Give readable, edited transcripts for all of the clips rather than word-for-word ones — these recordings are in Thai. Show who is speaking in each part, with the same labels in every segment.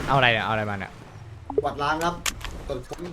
Speaker 1: เอาอะไรเนี่ยเอาอะไรมาเนี่ย
Speaker 2: กวาดล้างครับตรวจค้น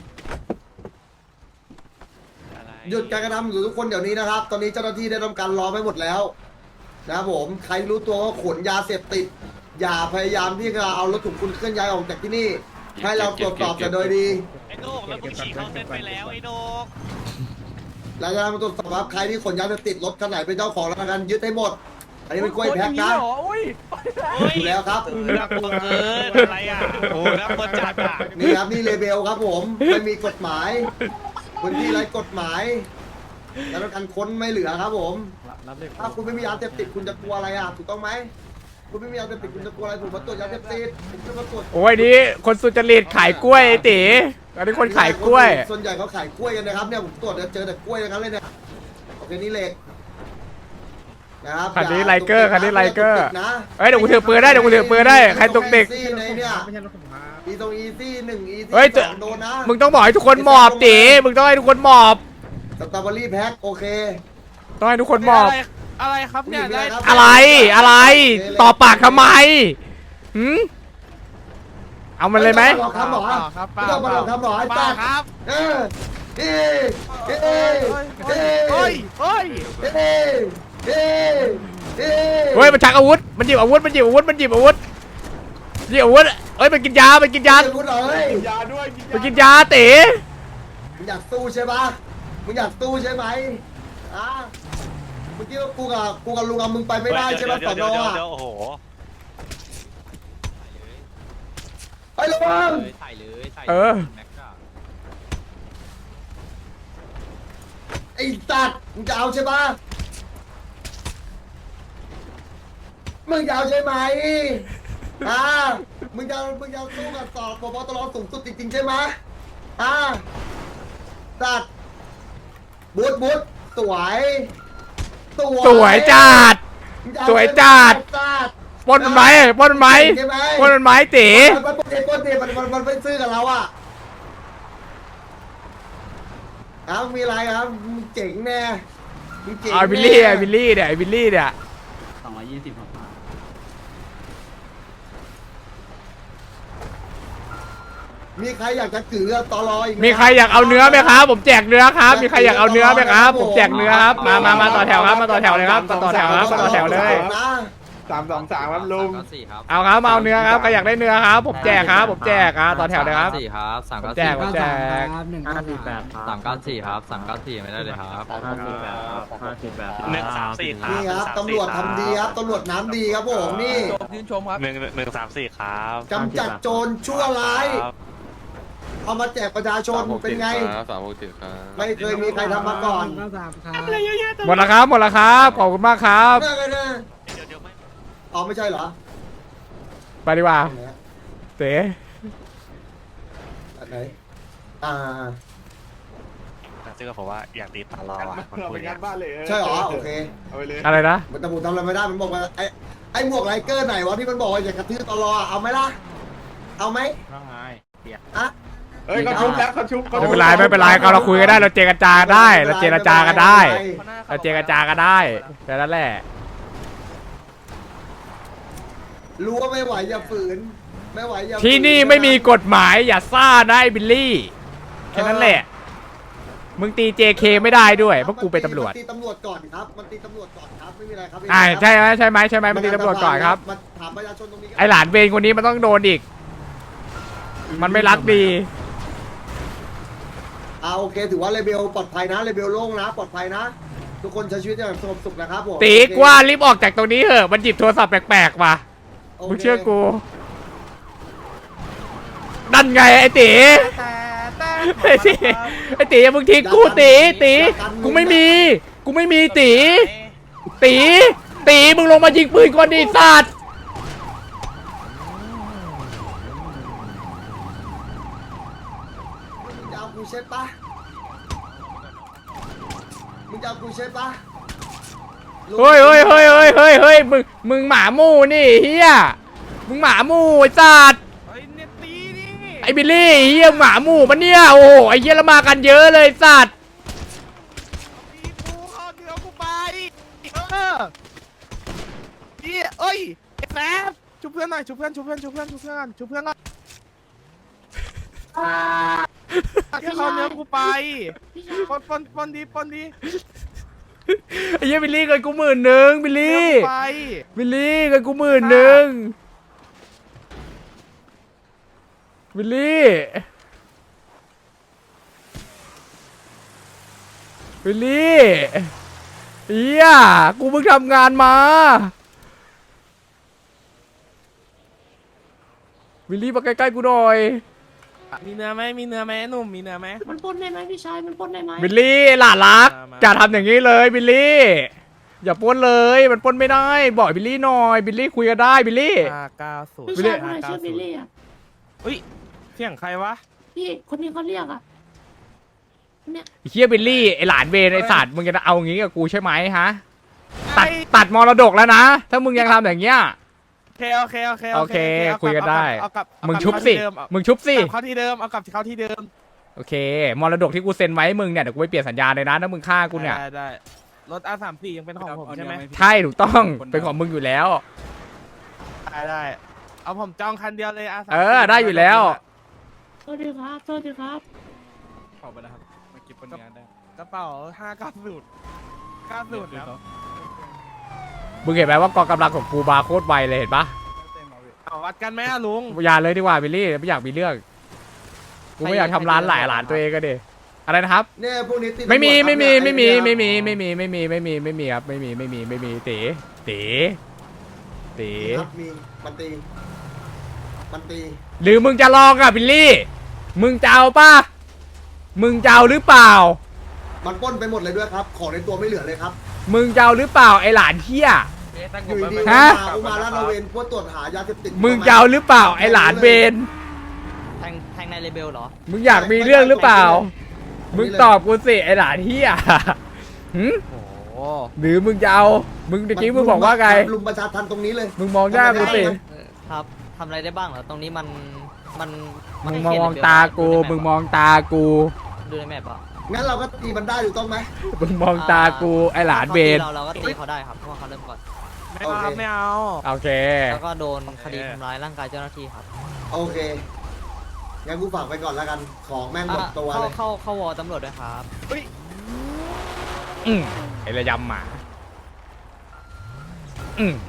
Speaker 2: หยุดการกระทำอยู่ทุกคนเดี๋ยวนี้นะครับ ตอนนี้เจ้าหน้าที่ได้ทำการล้อมไว้หมดแล้วนะครับผมใครรู้ตัวว่าขนยาเสพติดอย่าพยายามที่จะเอารถถุงคุณเคลื่อนย้ายออกจากที่นี่ให้เราตรวจสอบแต่โดยดี
Speaker 3: ไอ้โดกแล้วมึงฉีกเข้าเส้นไปแล้วไอ้โดก
Speaker 2: เราจะมาตรวจสอบว่าใครที่ขนยาเสพติดรถคันไหนเป็นเจ้าของแล้วกันยึดให้หมด อันนี้เป็นกล้วยแพ็คนะอยู่แล้วครับ
Speaker 3: น่ากลัวเกินอะไรอ่ะโอ้น่ากลัวจัดอ่ะ
Speaker 2: นี่ครับนี่เลเบลครับผมไม่มีกฎหมายพื้นที่ไร้กฎหมายแล้วการค้นไม่เหลือครับผมถ้าคุณไม่มียาเสพติดคุณจะกลัวอะไรอ่ะถูกต้องไหมคุณไม่มียาเสพติดคุณจะกลัวอะไรผมมาตรวจยาเสพติดผมจะมาตรวจ
Speaker 1: โอ้ยนี่คนสุจริตขายกล้วยไอ้ตีอันนี้คนขายกล้วย
Speaker 2: ส่วนใหญ่เขาขายกล้วยกันนะครับเนี่ยผมตรวจเจอแต่กล้วยอย่างนั้นเลยเนี่ยโอเคนี่เหล็กนะครับ
Speaker 1: คันนี้ไลเกอร์คันนี้ไลเกอร์
Speaker 2: นะ
Speaker 1: เฮ้ยเดี๋ยวกูถือปืนได้เดี๋ยวกูถือปืนได้ใครตกเด็ก
Speaker 2: ในเนี่ยอีตรงอีซี่หนึ่งอีซี่
Speaker 1: เฮ้ย
Speaker 2: สองโดนนะ
Speaker 1: มึงต้องบอกให้ทุกคนหมอบตีมึงต้องให้ทุกคนหมอบ
Speaker 2: สตรอเบอรี่แพ็คโอเค
Speaker 1: ต้องให้ทุกคนหมอบ
Speaker 3: อะไรครับเนี่ยได้
Speaker 1: อะไรต่อปากทำไมหืมเอามันเลยไหม
Speaker 2: ลองทำหรอ
Speaker 3: ครับ
Speaker 2: ไม่ต้องมาลองทำหรอไอ้
Speaker 3: ป้า
Speaker 2: ป้า
Speaker 3: ครับ
Speaker 2: เออเอเอเอ
Speaker 3: เฮ้ยเฮ้ย
Speaker 2: เอเอเอ
Speaker 1: เฮ้ยมันชักอาวุธมันหยิบอาวุธมันหยิบอาวุธมันหยิบอาวุธหยิบอาวุธเฮ้ยมันกินยามันกินยา
Speaker 2: พูดเลย
Speaker 1: มันกินยาตี
Speaker 2: มึงอยากสู้ใช่ปะมึงอยากสู้ใช่ไหมอ่ะเมื่อกี้ว่ากูกับลุงเอามึงไปไม่ได้ใช่ไหมสอนออ่ะ
Speaker 3: โอ้โห
Speaker 2: ไอ้ระวัง
Speaker 4: ใส่เลยใส่
Speaker 1: เออ
Speaker 4: แม็กซ์อะ
Speaker 2: ไอ้สัตว์มึงจะเอาใช่ปะมึงจะเอาใช่ไหมอ่ามึงจะสู้กับสอบปปตรสูงสุดจริงๆใช่ไหมอ่าสัตว์บูทสวย
Speaker 1: สวยจัด
Speaker 2: มึงจะเอา
Speaker 1: สวยจัด
Speaker 2: สัตว์
Speaker 1: ปล้นมันไหมปล้นมันไหม
Speaker 2: ใช่ไหม
Speaker 1: ปล้นมันไหมตี
Speaker 2: มันไม่ซื้อกับเราอ่ะอ้าวมีอะไรครับมึงเจ๋งแน่มึงเจ๋ง
Speaker 1: ไอ้บิล
Speaker 2: แน่
Speaker 1: ลี่ไอ้บิลลี่เนี่ยไอ้บิลลี่เนี่ย
Speaker 4: 220ครับ
Speaker 2: มีใครอยากจะกือตอรออีกไห
Speaker 1: มีใครอยากเอาเนื้อไหมครับ ผมแจกเนื้อครับ มีใครอยากเอาเนื้อไหมครับ ผมแจกเนื้อครับมาต่อแถวครับมาต่อแถวเลยครับมาต่อแถวครับมาต่อแถวเลย
Speaker 2: นะ
Speaker 5: 323ครับลุง
Speaker 4: 394ครับ
Speaker 1: เอาครับมาเอาเนื้อครับใครอยากได้เนื้อครับ ผมแจกครับผมแจกต่อแถวเลยครับ
Speaker 4: 4ครับ
Speaker 1: ผมแจกผมแจก
Speaker 4: 394ครับ394ไม่ได้เลยครับ
Speaker 3: 134ครับ
Speaker 2: นี่ครับตำรวจทำดีครับตำรวจน้ำดีครับผมนี่
Speaker 3: 134ครับ
Speaker 2: กำจัดโจรชั่วร้าย เอามาแจกประชาชนเป็นไง
Speaker 5: 367ครับ
Speaker 2: ไม่เคยมีใครทำมาก่อน
Speaker 1: หมดแล้วครับหมดแล้วครับขอบคุณมากครับ
Speaker 2: เรื่องอะไรนะ
Speaker 3: เดี๋ยวไม่
Speaker 2: อ๋อไม่ใช่เหรอ
Speaker 1: ไปดีกว่าเต๋
Speaker 2: อันไหนอ่า
Speaker 3: ซึ่งก็ผมว่าอยากตีตลอดคนคุย
Speaker 5: งานบ้านเลย
Speaker 2: ใช่เหรอโอเค
Speaker 5: เอาไปเลย
Speaker 1: อะไรนะ
Speaker 2: มันแต่ผมทำอะไรไม่ได้มันบอกว่าไอ้หมวกไลเกอร์ไหนวะที่มันบอกว่าอยากกระทืบตลอเอาไหมล่ะเอาไหมอ่ะ
Speaker 5: เฮ้ยเขาชุบแล้วเขาชุบ
Speaker 1: ไม่เป็นไรไม่เป็นไรเราคุยกันได้เราเจรจากันได้เราเจรจากันได้เราเจรจากันได้แค่นั้นแหละ
Speaker 2: รู้ว่าไม่ไหวอย่าฝืนไม่ไหวอย่าฝื
Speaker 1: ที่นี่ไม่มีกฎหมายอย่าซ่านะไอ้บิลลี่แค่นั้นแหละมึงตี JK ไม่ได้ด้วยเพราะกูเป็นตำรวจ
Speaker 2: มันตีตำรวจก่อนครับมันตีตำรวจก่อนครับไม่มีอะไรครับ
Speaker 1: ใช่ไหมมึงตีตำรวจก่อนครับ
Speaker 2: มาถามประชาชนตรงนี้
Speaker 1: ไอหลานเวรคนนี้มันต้องโดนอีก มันไม่รักดี
Speaker 2: โอเคถือว่าเลเบลปลอดภัยนะเลเบลโล่งนะปลอดภัยนะ ทุกคนใช้ชีวิตอย่างสงบสุขนะครับผม
Speaker 1: ตีกว่ารีบออกจากตรงนี้เถอะมันหยิบโทรศัพท์แปลกๆว่ะ
Speaker 2: โค
Speaker 1: มึงเชื่อกูนั่นไงไอ้ตีไอ้ตีอย่ามึงทิ้งกูตีกูไม่มีตีมึงลงมายิงปืนก่อนดิสัตว์
Speaker 2: มึงจะเอากูใช่ปะมึงจะเอากูใช่ปะ
Speaker 1: เฮ้ยมึงหมาหมู่นี่เฮียมึงหมาหมู่ไอ้สัตว์
Speaker 3: เฮ้ยเนี่ยตีนี่
Speaker 1: ไอ้บิลลี่เฮียหมาหมู่มันเนี่ยโอ้โหไอ้เฮียละมากันเยอะเลยสัตว์
Speaker 3: ตีกูเอาเดี๋ยวกูไปเอ้ยไอ้แฟบชุบเพื่อนหน่อยชุบเพื่อนก่อน
Speaker 6: แค่เขาเนื้อกูไปปนดี
Speaker 1: ไอ้เหี้ยบิลลี่เงินกู10,000บิล
Speaker 6: เนื้อ
Speaker 1: ลี่
Speaker 6: กูไป
Speaker 1: บิลลี่เงินกู10,000บิลลี่บิลลี่เฮียกูเพิ่งทำงานมาบิลลี่มาใกล้ๆกูหน่อย
Speaker 6: มีเนื้อไหมหนุ่มมีเนื้อไหม
Speaker 7: มันปล้นได้ไหมพี่ชายมันปล้นได้ไหม
Speaker 1: บิลลี่หลานรัก
Speaker 6: มา
Speaker 1: จะทำอย่างนี้เลยบิลลี่อย่าปล้นเลยมันปล้นไม่ได้บอกบิลลี่หน่อยบิลลี่คุยกันได้บิลลี่
Speaker 6: 590
Speaker 7: พี่ชายคนไหนชื่อบิลลี่อ่ะ
Speaker 6: เฮ้ยเสียงใครวะ
Speaker 7: พี่คนนี้เขาเรียกอ่ะเนี่ย
Speaker 1: ไอ้เฮียบิลลี่ไอหลานเวนไอสัตว์มึงจะเอาอย่างงี้กับกูใช่ไหมฮะตัดมรดกแล้วนะถ้ามึงยังทำอย่างเงี้ย
Speaker 6: โอเค
Speaker 1: คุยกันได้
Speaker 6: เอากลับ
Speaker 1: มึงชุบสิมึงชุบสิ
Speaker 6: เข้าที่เดิมเอากลับเข้าที่เดิม
Speaker 1: โอเคมรดกที่กูเซ็นไว้ให้มึงเนี่ยเดี๋ยวกูไปเปลี่ยนสัญญาเลยนะถ้ามึงฆ่ากูเนี่ย
Speaker 6: ได้รถ R34 ยังเป็นของผมใช่ไหม
Speaker 1: ใช่ถูกต้องเป็นของมึงอยู่แล้ว
Speaker 6: ได้เอาผมจองคันเดียวเลย R34
Speaker 1: ได้อยู่แล้ว
Speaker 7: โทษดีครับโทษดีครับ
Speaker 3: ขอบคุณนะครับมาเก็บผลงานได้
Speaker 6: กระเป๋า590ครับ
Speaker 1: มึงเห็นไหมว่ากองกำลังของกูบาโคตรไวเลยเห็นปะ
Speaker 6: เอาวัดกันไหมอะลุง
Speaker 1: อย่าเลยดีกว่าบิลลี่ไม่อยากมีเรื่องกูไม่อยากทำร้านหลายหลานตัวเองก็ดิอะไรนะครับ
Speaker 2: เนี่ยพวกนี้ติด
Speaker 1: ไม่มี
Speaker 2: ตำรวจ
Speaker 1: ไม่มี
Speaker 2: ครับ
Speaker 1: ไม่มี
Speaker 2: เนี่ย
Speaker 1: ไม่มีไม่มีไม่มีไม่มีไม่มีครับไม่มีเต๋เต๋
Speaker 2: ครับมีมันตี
Speaker 1: หรือมึงจะลองอ่ะบิลลี่มึงจะเอาป่ะมึงจะเอาหรือเปล่า
Speaker 2: มันปล้นไปหมดเลยด้วยครับของในตัวไม่เหลือเลยครับ
Speaker 1: มึงจะเอาหรือเปล่าไอหลานเฮีย
Speaker 2: อยู่ดีๆ
Speaker 1: ฮะ
Speaker 2: อุมาลาดระเวนเพื่อตรวจหายาเสพติด
Speaker 1: มึงจะเอาหรือเปล่าไอหลานเบน
Speaker 4: แทงในเลเบลเหรอ
Speaker 1: มึงอยากมีเรื่องหรือเปล่า มึงตอบกูสิไอหลานเฮียหึ
Speaker 6: โอ้โห
Speaker 1: หรือมึงจะเอามึงตะกี้มึงบอกว่าไง
Speaker 2: ลุมประชาทันตรงนี้เลย
Speaker 1: มึงมองหน้ากูสิ
Speaker 4: ครับทำอะไรได้บ้างเหรอ ตรงนี้มัน
Speaker 1: มึงมองตากูมึงมองตากู
Speaker 4: ดูในแมปอ่ะ
Speaker 2: งั้นเราก็ตีมันได้อยู่ต้องไหม
Speaker 1: มึงมองตากูไอหลานเบน
Speaker 4: เราก็ตีเขาได้ครับเพราะว่าเขาเริ่มก่อน
Speaker 6: ไม่เอา
Speaker 1: โอเค
Speaker 4: แล้วก็โดนคดีทำร้ายร่างกายเจ้าหน้าที่ครับ
Speaker 2: โอเคงั้นกูฝากไปก่อนแล้วกันของแม่งหมดตัวเลย
Speaker 4: เข้าวอตำรวจด้วยครับ
Speaker 1: ไอระยำหมาอืม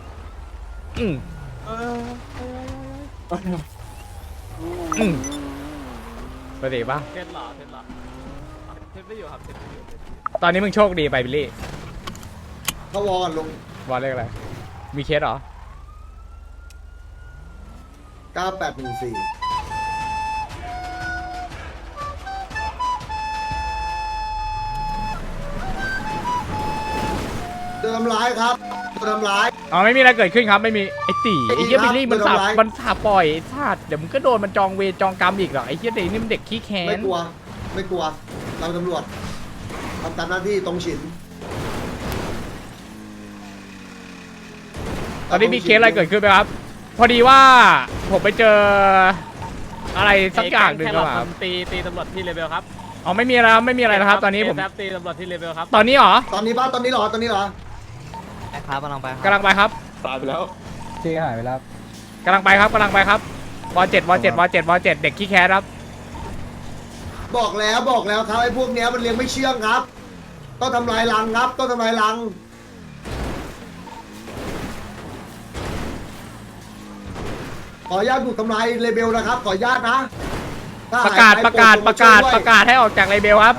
Speaker 1: ปกติปะ
Speaker 6: เทสไม่อยู่ครับเทสไม่อยู่
Speaker 1: ตอนนี้มึงโชคดีไปบิลลี่
Speaker 2: เขาวอกันลง
Speaker 1: บอลเลขอะไรมีเคสเหรอ
Speaker 2: 9814โดนทำร้ายครับโดนทำร้าย
Speaker 1: อ๋อไม่มีอะไรเกิดขึ้นครับไม่มีไอตี
Speaker 2: ไอ้
Speaker 1: ไอเฮีย
Speaker 2: ครับ
Speaker 1: บิลลี่มัน
Speaker 2: โดน
Speaker 1: สาบ
Speaker 2: ทำร้าย
Speaker 1: มันสาบปล่อยไอ้ชาติเดี๋ยวมึงก็โดนมันจองเวรจองกรรมอีกเหรอไอเฮียเด็กนี่มันเด็กขี้แค้
Speaker 2: ไม่
Speaker 1: น
Speaker 2: กลัว ไม่กลัว เราตำรวจทำตามหน้าที่ตรงฉิน
Speaker 1: ตอนนี้มีเคสอะไรเกิดขึ้นไหมครับ พอดีว่าผมไปเจออะไรสักอย่างหนึ่งครับ
Speaker 6: ตีตำรวจที่เลเวลครับ
Speaker 1: อ๋อไม่มีอะไรครับไม่มีอะไรนะครับ ตอนนี้ผม
Speaker 6: ตีตำรวจที่เลเวลครับ
Speaker 1: ตอนนี้เหรอ
Speaker 2: ตอนนี้ป้าตอนนี้เหรอ ตอนนี้เหรอ
Speaker 4: ไปครับกำลังไปครับ
Speaker 1: กำลังไปครับ
Speaker 5: ตายไปแล้ว
Speaker 1: กำลังไปครับกำลังไปครับว7เด็กขี้แค้นครับ
Speaker 2: บอกแล้วครับไอ้พวกเนี้ยมันเลี้ยงไม่เชื่องครับ ต้องทำลายรังครับ ต้องทำลายรัง ขออนุญาตบุกทำลายเลเบลนะครับ ขออนุญาตนะถ้
Speaker 1: ประกาศ
Speaker 2: หยไป
Speaker 1: ประกาศ
Speaker 2: โป
Speaker 1: ป
Speaker 2: ด
Speaker 1: ระกาศ
Speaker 2: ช่วยด้วย
Speaker 1: ประกาศให้ออกจากเลเบลครับ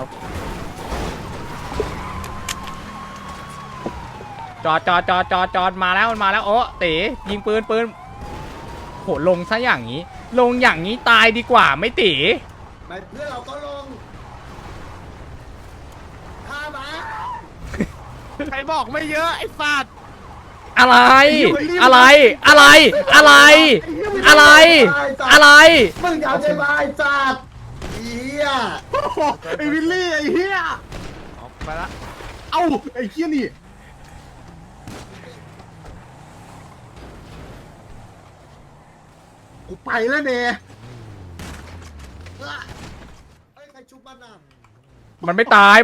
Speaker 1: จอดมาแล้วมันมาแล้วโอ้ตียิงปืนโหลงซะอย่างนี้ ลงอย่างนี้ตายดีกว่าไม่ตี
Speaker 2: ไม่เพื่อนเราก็ลงฆ่ามา
Speaker 6: ใครบอกไม่เยอะไอ้สัตว์
Speaker 1: อะไรอะไร
Speaker 2: มึงอยากได้มาไอ้จัดเหี้ย
Speaker 5: ไอ้วิลลี่ไอ้เหี้ย
Speaker 6: ไปละ
Speaker 5: เอ้าไอ้เหี้ยนี่กูไปแล้วเน่
Speaker 2: เฮ้ยใครชุบมันอ่ะ
Speaker 1: มันไม่ตาย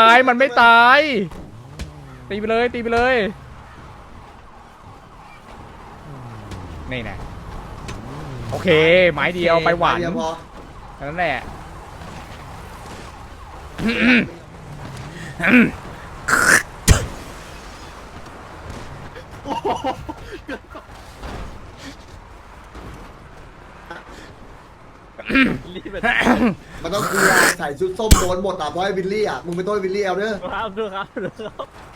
Speaker 1: ตีไปเลยนี่นะโอเคไม้เดียวไปหวาน
Speaker 2: เดี๋ยวพอ
Speaker 1: นั่นแหละ
Speaker 2: มันต้องคือใส่ชุดส้มโดนหมดอ่ะเพราะไอ้วิลลี่อ่ะมึงไปโทษวิลลี่เอาเด้อ
Speaker 6: ครับดูครับดูครับ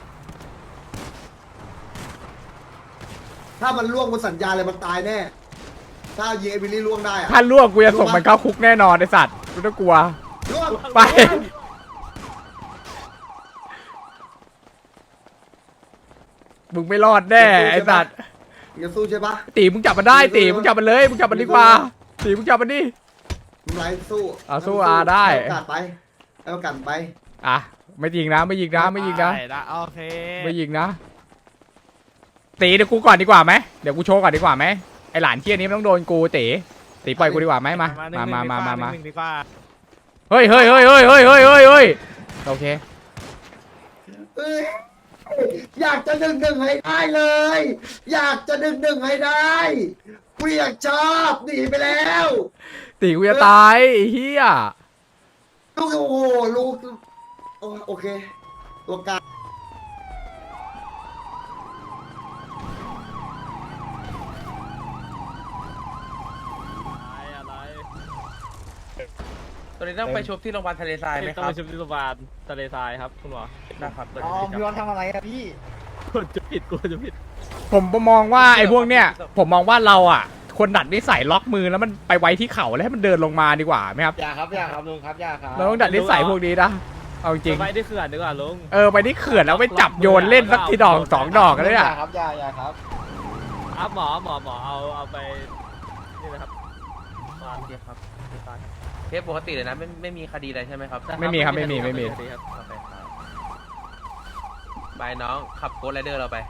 Speaker 2: ถ้ามันล่วงบนสัญญาเลยมันตายแน่ถ้ายิงไอ้วิลลี่ล่วงได้อ่ะ
Speaker 1: ถ้าล่วงกูจะส่งมันเข้าคุกแน่นอนไอสัตว์ไม่ต้องกลัว
Speaker 2: ล่วง
Speaker 1: ไป มึงไม่รอดแน่ไอสัตว์
Speaker 2: มึงจะสู้ใช่ปะ
Speaker 1: ตีมึงจับมันได้ตีมึงจับมันเลยมึงจับมันดีกว่าตีมึงจับมันดิ
Speaker 2: มึงไรสู้
Speaker 1: เอาสู้ได้
Speaker 2: ให้โอกาสไปให้โอกาสไป
Speaker 1: อ่ะไม่ยิงนะไม่ยิงนะไม่ยิงนะ
Speaker 6: ได้โอเค
Speaker 1: ไม่ยิงนะตีเดี๋ยวกูก่อนดีกว่าไหมเดี๋ยวกูโชว์ก่อนดีกว่าไหมไอหลานเที่ยนี้มันต้องโดนกูตีปล่อยกูดีกว่าไหมมา
Speaker 6: หนึ่ง
Speaker 1: มา
Speaker 6: หนึ่งดีกว่า
Speaker 1: เฮ้ยโอเค
Speaker 2: เอ้ยอยากจะดึงให้ได้เลย อยากจะดึงให้ได้กูอยากชอบหนีไปแล้ว
Speaker 1: ตีกูจะตายไอ้เฮีย
Speaker 2: ลูกโอ้โหลูกโอเค ตัวกลาง
Speaker 8: ตัวนี้ต้องไปชุบที่โรงพยาบาลทะเลทรายไหมค
Speaker 6: ต้อง
Speaker 8: รั
Speaker 6: ไป
Speaker 8: บ
Speaker 6: ชุบที่โรงพยาบาลทะเลทรายครับคุณหมอ
Speaker 8: นะครับ
Speaker 5: อ๋อพี่วันทำอะไรอะพี่
Speaker 6: กลัวจะผิดกลัวจะผิด
Speaker 1: ผมมองว่าไอ้พวกเนี้ยผมมองว่าเราอ่ะคนดัดนิสัยล็อกมือแล้วมันไปไว้ที่เข่าแล้วให้มันเดินลงมาดีกว่าไหมครับ
Speaker 5: อย่าครับลุงครับอย่าครับ
Speaker 1: เราต้องดัดนิสัยพวกนี้นะเอาจริง
Speaker 6: ไปที่เขื่อนดีกว่าลุง
Speaker 1: ไปที่เขื่อนแล้วไปจับโยนเล่นสักทีดอกสองดอกกันเลยอ่ะ
Speaker 5: ครับอย่าครับ
Speaker 6: ครับหมอเอาไปนี่นะครับ
Speaker 8: โอเคครับเคสปกติเลยนะไม่มีคดีอะไรใช่ไหมครับ
Speaker 1: ไม่มีครับไม่มี
Speaker 8: โอเคครับบายน้องขับโกดไรเดอร์เราไป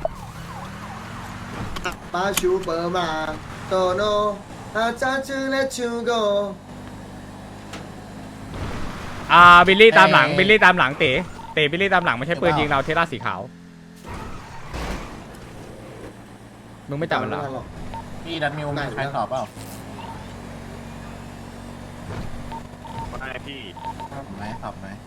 Speaker 2: มาชูเปอร์มาโตโนอาจารย์ชื่อและชูโก
Speaker 1: บิลลี่ตามหลังบิลลี่ตามหลังเต๋บิลลี่ตามหลังไม่ใช่ปืนยิงเราเทสลาสีขาวมึงไม่จับมันเหรอ
Speaker 5: พี่ดันมิวมีใครสอบเปล่า
Speaker 3: ไม่พี่
Speaker 5: สอบไหม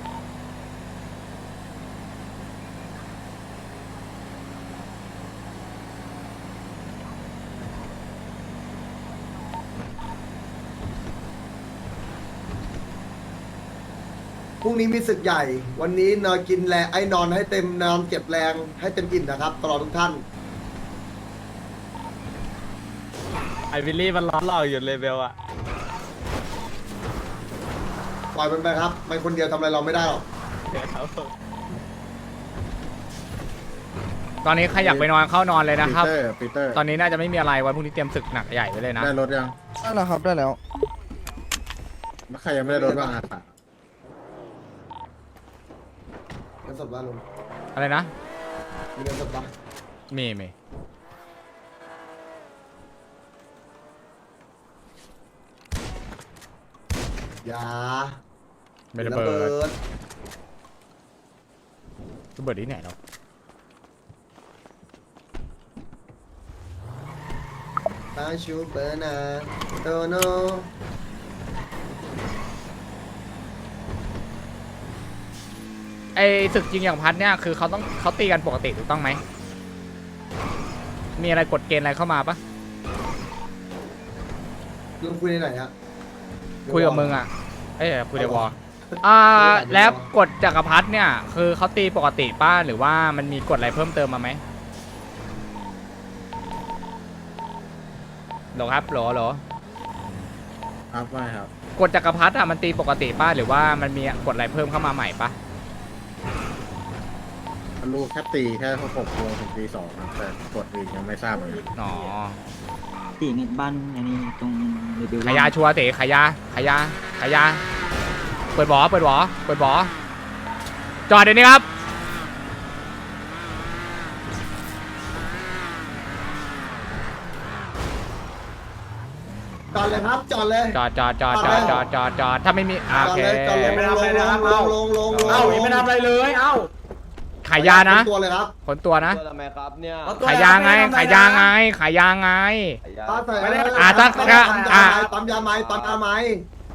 Speaker 2: พรุ่งนี้มีศึกใหญ่ วันนี้นอนกินแรงไอ้นอนให้เต็มนอนเก็บแรงให้เต็มอิ่มนะครับตลอดทุกท่าน
Speaker 6: ไอวิลลี่มันล้อเราอยู่เลเวลอะ
Speaker 2: ปล่อยมันไปครับ มันคนเดียวทำอะไรเราไม่ได้หรอก
Speaker 1: ตอนนี้ใครอยากไปนอนเข้านอนเลยนะครับ
Speaker 5: ปีเตอร์
Speaker 1: ตอนนี้น่าจะไม่มีอะไรวันพรุ่งนี้เตรียมศึกหนักใหญ่ไว้เลยนะ
Speaker 5: ได้รถยัง
Speaker 9: ได้แล้วครับได้แล้ว
Speaker 5: แล้วใครยังไม่ได้รถบ้างอ่ะ
Speaker 2: เงินสดบ้านลุง
Speaker 1: อะไรนะ
Speaker 2: มีเงินสดบ้าง
Speaker 1: มี
Speaker 2: อย่า
Speaker 1: ไม่ระเบิดระเบิดที่ไหนเนาะ
Speaker 2: มาชูเปอร์นาโตโน
Speaker 1: ไอศึกจริงอย่างพัดเนี่ยคือเขาตีกันปกติถูกต้องไหมมีอะไรกฎเกณฑ์อะไรเข้ามาปะ
Speaker 2: ลุงคุยในไหนฮะ
Speaker 1: คุยกับมึงอ่ะคุยในวอลแล้วกฎจักรพรรดิเนี่ยคือเขาตีปกติป้าหรือว่ามันมีกฎอะไรเพิ่มเติมมาไหมหรอครับหรอ
Speaker 5: ครับไม่ครับ
Speaker 1: กฎจักรพรรดิอะมันตีปกติป้าหรือว่ามันมีกฎอะไรเพิ่มเข้ามาใหม่ปะ
Speaker 5: ลูกแค่ตีแค่6 โมงถึงตี 2ครับแต่กดอื่นยังไม่ทราบเหมือนกัน
Speaker 1: อ๋อ
Speaker 9: ตีเงินบ้านอันนี้ตรงเรเบล
Speaker 1: ขายาชัวร์เต๋ขายาเปิดบ่อจอดเดี๋ยวนี้ครับ
Speaker 2: จอดเลยครับจอดเลย
Speaker 1: จอดถ้าไม่มีโอเค
Speaker 2: จอดเลยไม่ทำอะไรนะครับลง
Speaker 1: เอ้ายังไม่ทำอะไรเลยเอ้าขายยานะ
Speaker 2: ตัวเลยครับ
Speaker 1: คนตัวนะ
Speaker 9: ทำไมครับเนี่ย
Speaker 1: ขายยาไง
Speaker 2: ถ้าใส่
Speaker 1: ปั๊มยาไหม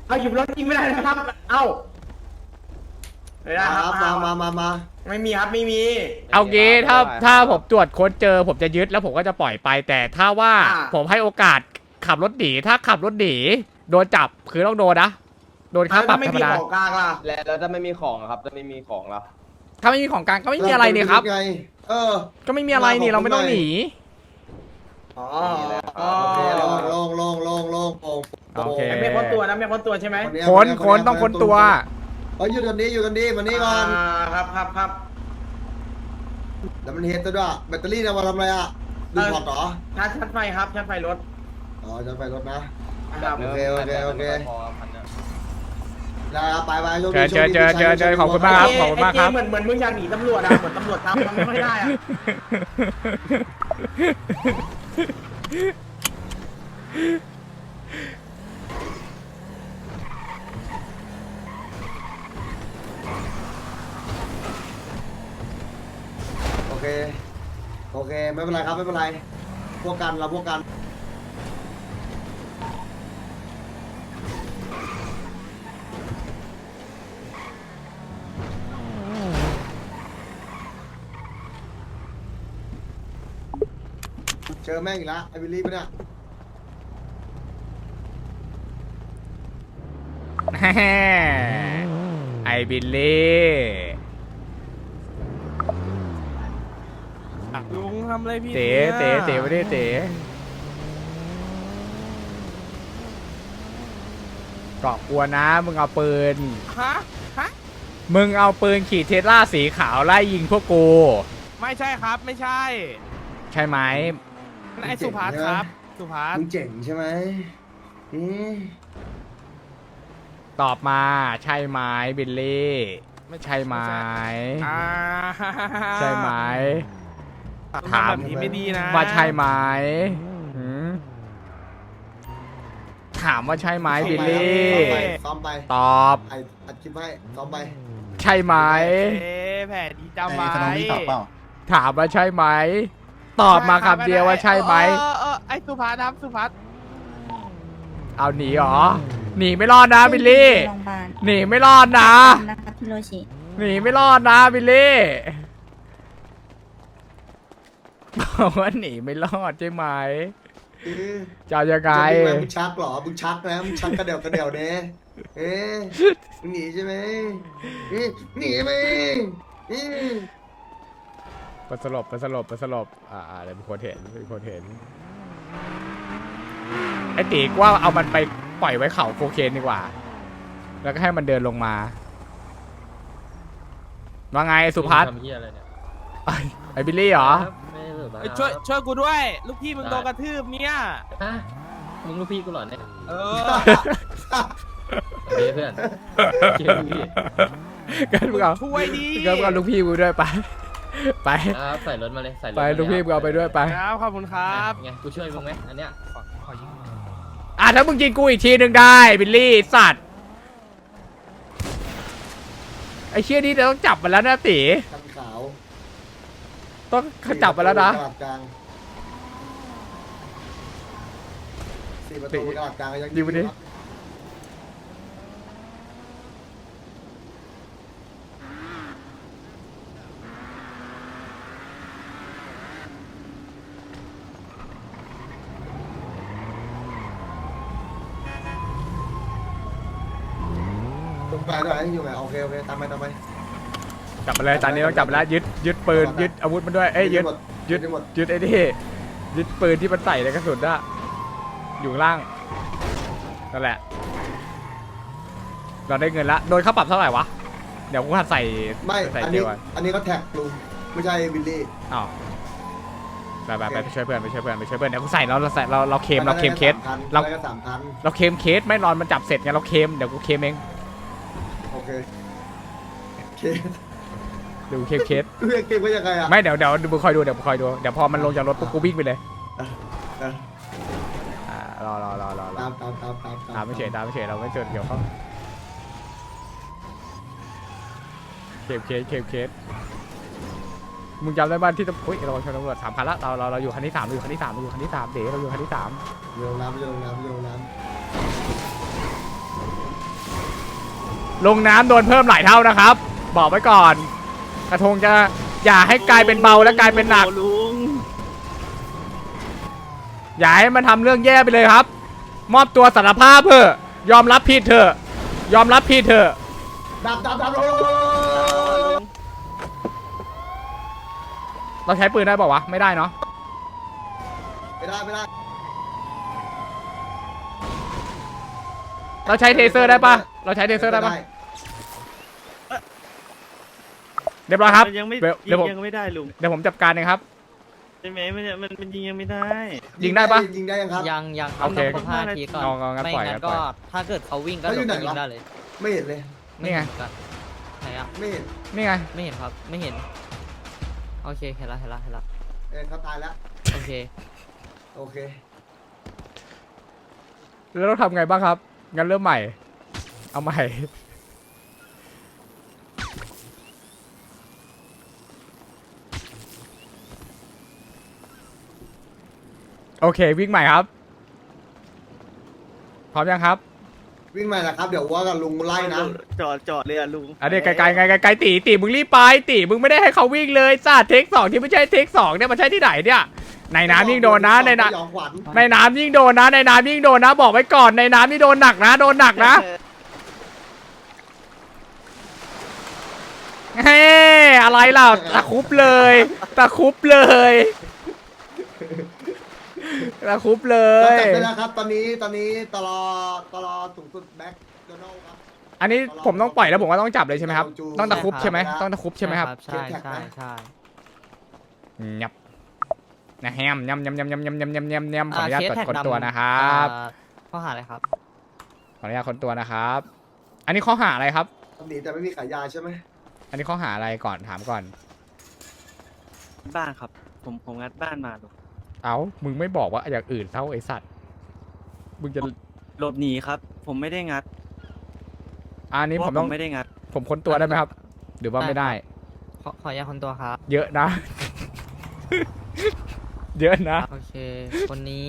Speaker 8: เอาหยิบรถยิงไม่ได้นะครับ เอ้าไม่ได้ครับ
Speaker 2: มา
Speaker 8: ไม่มีครับไม่มี
Speaker 1: เอางี้ถ้าผมตรวจค้นเจอผมจะยึดแล้วผมก็จะปล่อยไป แต่ถ้าว่าผมให้โอกาสขับรถหนีถ้าขับรถหนีโดนจับคือต้องโดนนะโดนค่าปรับธรรมดา
Speaker 8: ของกลางล่ะแล้วถ้าไม่มีของครับถ้าไม่มีของล่ะ
Speaker 1: ถ้าไม่มีของกลางก็ไม่มีอะไรนี่ครับ
Speaker 2: ไง
Speaker 1: ก็ไม่มีอะไรนี่เราไม่ต้องหนี
Speaker 8: อ๋อ
Speaker 2: โอเคลง
Speaker 1: โอเค
Speaker 8: ไม่พ้นตัวนะไม่พ้นตัวใช่ไหม
Speaker 1: ค้นต้องค้นตัว
Speaker 2: อยู่ตรงนี้มานี่ก่อน
Speaker 8: ครับ
Speaker 2: แล้วมันเฮดด้วยแบตเตอรี่เนี่ยมาทำอะไรอ่ะดูพอร์ตเหรอ
Speaker 8: ชาร์จไฟครับชาร์จไฟรถ
Speaker 2: อ๋อจะไปรถนะ
Speaker 8: ครับ
Speaker 2: โอเคได้ไป
Speaker 1: เจอขอบคุณมากครับขอบคุณมากครับ
Speaker 8: เหมือนมึงอยากหนีตำรวจอะเหมือนตำรวจทำมันไม่ได้อะ
Speaker 2: โอเคไม่เป็นไรครับไม่เป็นไรพวกกันเราพวกกันเจอแม่งอีกแล้วไอ้บิลลี่ปะเนี่ย
Speaker 1: ไอบิลลี่
Speaker 6: ลุงทำอะไรพี่
Speaker 1: เต๋ไม่ได้เต๋เกาะกลัวนะมึงเอาปืน
Speaker 6: ฮะ
Speaker 1: มึงเอาปืนขี่เทสลาสีขาวไล่ยิงพวกกู
Speaker 6: ไม่ใช่ครับไม่ใช่
Speaker 1: ใช่ไหม
Speaker 6: ไอ้สุภัสครับ สุภัส
Speaker 2: มึงเจ๋งใช่ไหมอืม
Speaker 1: ตอบมาใช่ไหมบิลลี่ใช่ไหม
Speaker 6: อ่า
Speaker 1: ใช่ไหม ถาม
Speaker 6: แบบนี้ไม่ดีนะ
Speaker 1: ว่าใช่ไหมหืมถามว่าใช่ไหมบิลลี่
Speaker 2: ซ้อมไป
Speaker 1: ตอบ
Speaker 2: ไอ้อัดคลิปให้ซ้อมไป
Speaker 1: ใช่ไหม
Speaker 6: แผลดีจำไว้
Speaker 1: ถามว่าใช่ไหมตอบมาคำเดียวว่าใช่ไหม
Speaker 6: ไอ้สุภัสครับสุภัส
Speaker 1: เอาหนีเหรอหนีไม่รอดนะบิลลี่
Speaker 7: โรงพยาบาล
Speaker 1: หนีไม่รอดนะ
Speaker 7: นะคะพี่โรชิ
Speaker 1: หนีไม่รอดนะบิลลี่บอกว่าหนีไม่รอดใช่ไหมจะเอายังไง
Speaker 2: มึงชักเหรอมึงชักนะมึงชักกระเดี่ยวเนี่ยเอ๊ะมึงหนีใช่ไหมหนีไหม
Speaker 1: ไปสลบเดี๋ยวมีคนเห็นไอ้ตีกว่าเอามันไปปล่อยไว้เขาโคเคนดีกว่า แล้วก็ให้มันเดินลงมาว่าไงสุพัฒน์ไอ้บิลลี่เหรอ
Speaker 6: ช่วยกูด้วย ลูกพี่มึงโดนกระทืบเนี่ย
Speaker 4: มึงลูกพี่กูหรอเนี่ย
Speaker 6: เออ
Speaker 4: เฮ้ยเพื่อนเชื่อพี่
Speaker 1: กันมึงเอา
Speaker 6: ช่วยดิ
Speaker 1: กันมึงเอาลูกพี่กูด้วยไป
Speaker 4: ครับใส่รถมาเลยใส่รถ
Speaker 1: ไปลูกพี่มึงเอาไปด้วยไป
Speaker 6: ครับขอบคุณครับ
Speaker 4: ไงกูช่วยมึงไหมอันเนี้ย
Speaker 1: ถ้ามึงยิงกูอีกทีหนึ่งได้บิลลี่สัตว์ไอ้เชี่ยนี่เดี๋ยวต้องจับมันแล้วนะตี
Speaker 2: คันขาว
Speaker 1: ต้องจับมันแล้วนะ
Speaker 2: กระดาษกลาง4 ประตูกระดาษกลางยัง
Speaker 1: ยิงไปดิ
Speaker 2: ไปด้วยอยู่ไหนโอเคตามไป
Speaker 1: จับมันเลยตอนนี้ต้องจับมันแล้วยึดปืนยึดอาวุธมันด้วยเอ้ยยึด
Speaker 2: หมด
Speaker 1: ยึดไอ้นี่ยึดปืนที่มันใส่ในกระสุนอะอยู่ข้างล่างนั่นแหละเราได้เงินละโดนค่าปรับเท่าไหร่วะเดี๋ยวกูหัดใส่
Speaker 2: ไม่
Speaker 1: ใส่
Speaker 2: อัน
Speaker 1: เดี
Speaker 2: นี้
Speaker 1: ยวอะ
Speaker 2: อันนี้ก็แท็กลุงไม่ใช่บิลลี่
Speaker 1: อ้าวไปช่วยเพื่อนเดี๋ยวกูใส่เราเคมเคส
Speaker 2: เรา
Speaker 1: เรา
Speaker 2: ก็3,000
Speaker 1: เราเคมเคสไม่รอนมันจับเสร็จไงเราเคมเดี๋ยวกูเคมเอง
Speaker 2: โอเคเค
Speaker 1: เดี๋ยวกูเคส
Speaker 2: เรียกเกมว่ายังไงอ่ะ
Speaker 1: ไม่เดี๋ยวมึงคอยดูเดี๋ยวพอมันลงจากรถปุ๊บกูวิ่งไปเลย
Speaker 2: เออ
Speaker 1: รอ ตามไม่เฉยเราไม่เจอเกี่ยวข้องเคสมึงจำได้บ้านที่ต้องเราชนตำรวจ3,000ละเราอยู่คันที่ 3เดี๋ยวเราอยู่คันที่ 3
Speaker 2: โยนน้ำ
Speaker 1: ลงน้ำโดนเพิ่มหลายเท่านะครับ บอกไว้ก่อน กระทงจะอย่าให้กลายเป็นเบาและกลายเป็นหนัก อย่าให้มันทำเรื่องแย่ไปเลยครับ มอบตัวสารภาพเถอะยอมรับผิดเถอะยอมรับผิดเถอะ
Speaker 2: ดับ
Speaker 1: เราใช้ปืนได้เปล่าวะไม่ได้เนาะ
Speaker 2: ไม่ได้
Speaker 1: เราใช้เทเซอร์ได้ปะเราใช้เทเซอร์ได้ปะเรียบร้อยครับ
Speaker 6: ยังไม่
Speaker 1: เดี๋ยวผม
Speaker 6: ยังไม่ได้ลุง
Speaker 1: เดี๋ยวผมจัดการเองครับ
Speaker 6: ใช่ไหมมันยิงยังไม่ได้
Speaker 1: ยิงได้ปะ
Speaker 2: ยิงได้ยังครับ
Speaker 4: ยังครั
Speaker 1: โอเค
Speaker 4: ต้อง5 นาทีก่อน
Speaker 1: เอางั้น
Speaker 4: ไม่
Speaker 1: ปล่อย
Speaker 4: งั้น
Speaker 1: ปล่
Speaker 4: ก็
Speaker 1: อย
Speaker 4: ถ้าเกิดเขาวิ่งก็
Speaker 2: เขาอยู่ไหน
Speaker 4: ยิ
Speaker 2: วะ
Speaker 4: งได้เลย
Speaker 2: ไม่เห็นเลย
Speaker 1: นี่ไง
Speaker 4: ม่เห็กัไหนอะ
Speaker 2: ไม่เห็น
Speaker 1: นี่ไง
Speaker 4: ไม่เห็นครับไม่เห็นโอเคเห็นละ
Speaker 2: เขาตายแล้ว
Speaker 4: โอเค
Speaker 2: โอเค
Speaker 1: แล้วเราทำไงบ้างครับงั้นเริ่มใหม่ เอาใหม่โอเควิ่งใหม่ครับพร้อมยังครับ
Speaker 2: วิ่งมาแล้วครับ เดี๋ยวว่ากับลุงไล่นะ
Speaker 6: จอดเลยอะลุง
Speaker 1: อันนี้ไกลๆไกลๆตีมึงรีบไปตีมึงไม่ได้ให้เขาวิ่งเลยจ้าเทค2ที่ไม่ใช่เทค2เนี่ยมันใช่ที่ไหนเนี่ยในน้ำยิ่งโดนนะในน้ำ
Speaker 2: ยองขวัญ
Speaker 1: ในน้ำยิ่งโดนนะในน้ำยิ่งโดนนะบอกไว้ก่อนในน้ำนี่โดนหนักนะโดนหนักนะเฮ้อะไรล่ะตะคุบเลยตะคุบเลยตะคุบเล
Speaker 2: เรา
Speaker 1: ย
Speaker 2: จับได้แล้วครับ ตอนนี้ตลอสูงสุดแบ็คโดนัลด์ครับ
Speaker 1: อันนี้ผมต้องปล่อยแล้วผมก็ต้องจับเลยใช่ไหมครับ
Speaker 2: จูง
Speaker 1: ต้องตะคุบใช่ไหม
Speaker 2: ใช่ครับ
Speaker 1: ต้องตะคุบใช่ไหมครับ
Speaker 4: ใช่
Speaker 1: ยับนะแฮมยำขออนุญาต
Speaker 4: เคส
Speaker 1: กด
Speaker 4: แท็ก
Speaker 1: คน
Speaker 4: ดำ
Speaker 1: ตัวนะครับ
Speaker 4: ข้อหาอะไรครับ
Speaker 1: ขออนุญาตคนตัวนะครับ อันนี้ข้อหาอะไรครับ
Speaker 2: ทำหนีแต่ไม่มีขายยาใช่ไหม
Speaker 1: อันนี้ข้อหาอะไรก่อนถามก่อน
Speaker 6: บ้านครับ ผมงัดบ้านมาลุง
Speaker 1: เอ้ามึงไม่บอกว่าอย่างอื่นเท่าไอสัตว์มึงจะ
Speaker 6: หลบหนีครับ ผมไม่ได้งัด
Speaker 1: อันนี้ผมต้อง
Speaker 6: ไม่ได้งัด
Speaker 1: ผมค้นตัวได้ไหมครับ หรือว่าไม่ได้
Speaker 4: ขออนุญาตคนตัวครับ
Speaker 1: เยอะนะ เยอะนะ
Speaker 4: โอเค คนนี้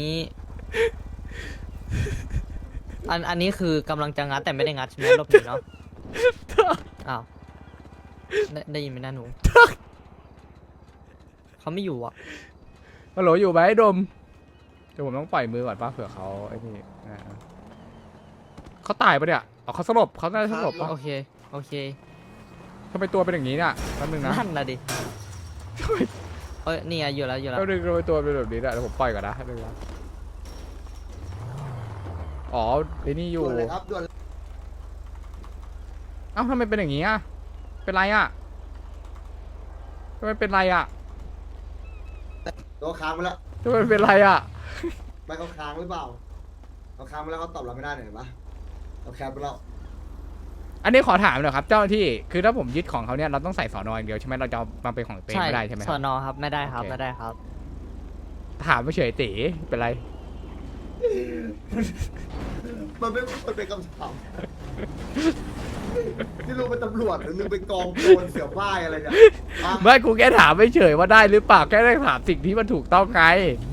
Speaker 4: อันนี้คือกำลังจะงัดแต่ไม่ได้งัดใช่ไหมรอบนี้เนาะ อ้าว ได้ยินไหมนะหนู เขาไม่อยู่อ่ะ
Speaker 1: ฮัลโหลอยู่ไหมดมเดี๋ยวผมต้องปล่อยมือก่อนป่ะเผื่อเขาไอ้นี่นะเขาตายปะเนี่ยอ๋อเขาสลบเขาน่าจะสลบปะ
Speaker 4: โอเค โอเค
Speaker 1: ทำไมตัวเป็นอย่างนี้เนี่ยแป๊บนึงนะ
Speaker 4: นั่นนะดิ เอ้ย นี่ไงอยู่แล้ว
Speaker 1: แป๊บนึงทำไมตัวเป็นแบบนี้เนี่ยเดี๋ยวผมปล่อยก่อนนะแป๊บนึงนะอ๋อไอ้นี่อยู่
Speaker 2: ด่วนเลยครับด่วนเลย
Speaker 1: เอ้าทำไมเป็นอย่างนี้อ่ะเป็นไรอ่ะทำไมเป็นไรอ่ะ
Speaker 2: ตัวค้างไปแล้ว
Speaker 1: ทำไมเป็นไรอ่ะ
Speaker 2: ไม่เขาค้างหรือเปล่าเขาค้างไปแล้วเขาตอบเราไม่ได้เห็นปะเราแคปไปแล้ว
Speaker 1: อันนี้ขอถามหน่อยครับเจ้าหน้าที่คือถ้าผมยึดของเขาเนี่ยเราต้องใส่สอนออย่างเดียวใช่ไหมเราจะเอามาเป็นของตัวเองไม่ได้ใช่ไหมค
Speaker 4: ส
Speaker 1: รั
Speaker 4: อบ นอครับ ไม่ได้ครับ
Speaker 1: โอเค
Speaker 4: ไม่ได้ครับ
Speaker 1: ถามไม่เฉยตีเป็นไร
Speaker 2: มันเป็นคำถามที่ลุงเป็นตำรวจหรือลุงเป็นกองโจรเสี่ยวป้ายอะไรเนี่ยอ่ะ
Speaker 1: ไม่กูแค่ถามไม่เฉยว่าได้หรือเปล่าแค่ได้ถามสิ่งที่มันถูกต้องไง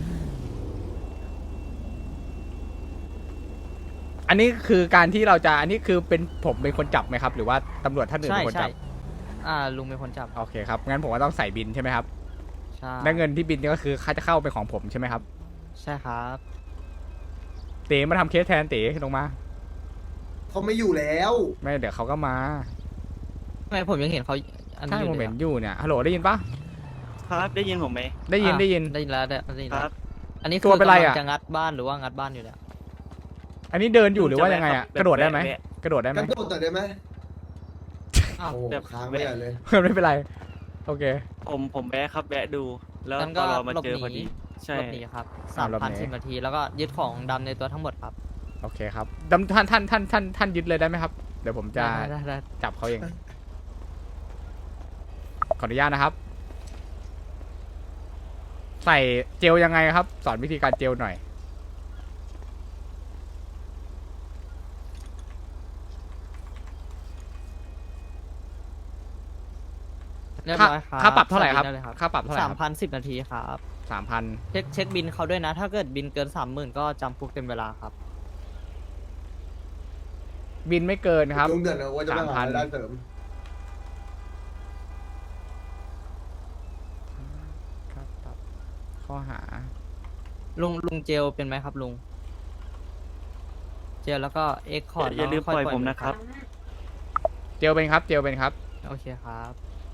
Speaker 1: อันนี้คือการที่เราจะอันนี้คือเป็นผมเป็นคนจับไหมครับ หรือว่าตำรวจท่านอื่น
Speaker 4: ใช่
Speaker 1: เป็นคน
Speaker 4: ใช่
Speaker 1: จับ
Speaker 4: ลุงเป็นคนจับ
Speaker 1: โอเคครับงั้นผมก็ต้องใส่บินใช่ไหมครับ
Speaker 4: ใช่
Speaker 1: และเงินที่บินนี่ก็คือค่าจะเข้าเป็นของผมใช่ไหมครับ
Speaker 4: ใช่ครับ
Speaker 1: เต๋มาทำเคสแทนเต๋ลงมา
Speaker 2: เขาไม่อยู่แล้ว
Speaker 1: ไม่เดี๋ยวเขาก็มา
Speaker 4: ทำไมผมยังเห็นเขาอันนี้
Speaker 1: ใช่
Speaker 4: อยู่
Speaker 1: ผม
Speaker 4: เล
Speaker 1: เห็
Speaker 4: ย
Speaker 1: น
Speaker 4: อะ
Speaker 1: อยู่เนี่ยฮัลโหลได้ยินปะ
Speaker 6: ครับได้ยินผมไหม
Speaker 1: ได้ยิน
Speaker 4: ได้ยินแล้วได้ยิน
Speaker 6: ค
Speaker 4: แล้ว
Speaker 6: รับ
Speaker 4: อันนี้
Speaker 1: ตั
Speaker 4: คือ
Speaker 1: วเป็นไร
Speaker 4: กำลั
Speaker 1: อะ
Speaker 4: งจะงัดบ้านหรือว่างัดบ้านอยู่เนี่ย
Speaker 1: อันนี้เดินอยู่หรือว่ายังไงอะ
Speaker 6: จะแวะครับ
Speaker 1: กระโดดได้ไหม
Speaker 6: แวะ
Speaker 1: กระโดดได้ไหม
Speaker 2: กันโดดแต่อยได้ไหม
Speaker 4: อ้าว
Speaker 2: โอ้
Speaker 6: แบบ
Speaker 2: ค้างไม่ได้เลย
Speaker 1: ไม่เป็นไรโอเค
Speaker 6: ผมแวะครับแวะดู แล้ว
Speaker 4: งั้น
Speaker 6: ต
Speaker 4: ก็
Speaker 6: อนเรามา
Speaker 4: หลบ
Speaker 6: เจอ
Speaker 4: ห
Speaker 6: พอ
Speaker 4: นี
Speaker 6: ดี ใช่
Speaker 4: หลบหนีครับ
Speaker 1: หลบหนี
Speaker 4: 3,010 นาที แล้วก็ยึดของดำในตัวทั้งหมดครับ
Speaker 1: โอเคครับท่านยึดเลยได้ไหมครับ เดี๋ยวผมจะ
Speaker 4: ได้
Speaker 1: จับเขาเอง ขออนุญาตนะครับ ใส่เจลยังไงครับ สอนวิธีการเจลหน่อย
Speaker 4: เรียบ
Speaker 1: ค่า
Speaker 4: ร้อยครับ
Speaker 1: ค่าปรับเท่าไหร่ครับ
Speaker 4: ใส่บินด้ลย
Speaker 1: ค่าปรับเท่าไหร่ครับ
Speaker 4: 3,010 นาทีครับ
Speaker 1: 3,000
Speaker 4: เช็คบินเขาด้วยนะ ถ้าเกิดบินเกิน 30,000 ก็จำคุกเต็มเวลาครับ
Speaker 1: บินไม่เกินครับ
Speaker 2: ลุงเดือดนะว่าจะไปหารายได้เสริม
Speaker 1: ครับครับข้อหา
Speaker 4: ลุงเจลเป็นไหมครับลุง เจลแล้วก็เอ็กคอร์ด
Speaker 9: อย่าลืมปล่อยผมนะครับ
Speaker 1: เจลเป็นครับ เจลเป็นครับ
Speaker 4: โอเคครับ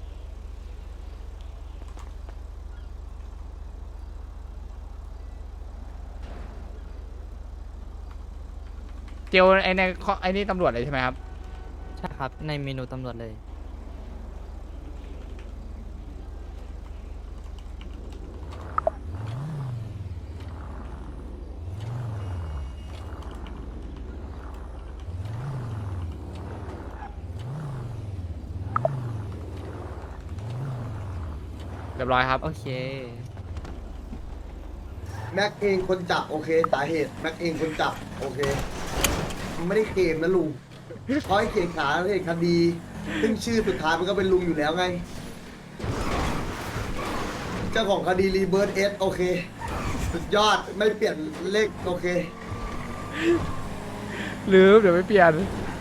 Speaker 1: เจลไอในข้อไอนี่ตำรวจเลยใช่ไหมครับ
Speaker 4: ใช่ครับ ในเมนูตำรวจเลย
Speaker 1: เรียบร้อยครับ
Speaker 4: โอเค
Speaker 2: แม็กเองคนจับโอเคสาเหตุแม็กเองคนจับโอเคมันไม่ได้เกมนะลุงเพราะไอ้เขียนขาเหตุคดี ซึ่งชื่อสุดท้ายมันก็เป็นลุงอยู่แล้วไง เจ้าของคดีรีเบิร์ตเอสโอเค สุดยอดไม่เปลี่ยนเลขโอเค
Speaker 1: ลืมเดี๋ยวไม่เปลี่ยน